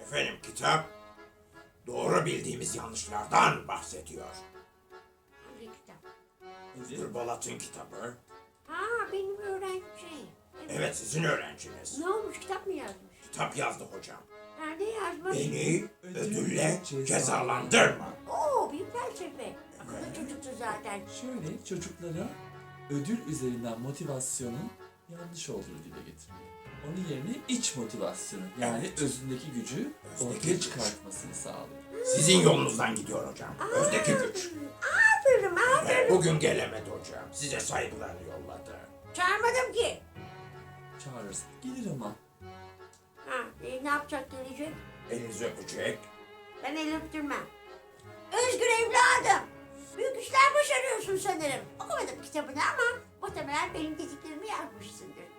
Efendim kitap doğru bildiğimiz yanlışlardan bahsediyor. Hangi kitap? Mr. Balat'ın kitabı. Ha, benim öğrencim. Evet, sizin öğrenciniz. Ne olmuş, kitap mı yazmış? Kitap yazdı hocam. Nerede yazmış? Beni ödülle cezalandırma. Oo, büyük felsefe. Akıllı çocuktu zaten. Şöyle çocuklara ödül üzerinden motivasyonun yanlış olduğunu dile getiriyor. Onun yerine iç motivasyonu yani Evet. özündeki gücü Özdeki ortaya güç. çıkartmasını sağlıyor. Sizin yolunuzdan gidiyor hocam. Özdeki güç. Aferin. Bugün gelemedi hocam. Size saygılarını yolladı. Çağırmadım ki. Çağırırsa gelir ama. Ha, ne yapacak, gelecek? Elinizi öpecek. Ben el öptürmem. Özgür evladım. Büyük işler başarıyorsun sanırım. Okumadım kitabını ama muhtemelen benim dediklerimi yazmışsındır.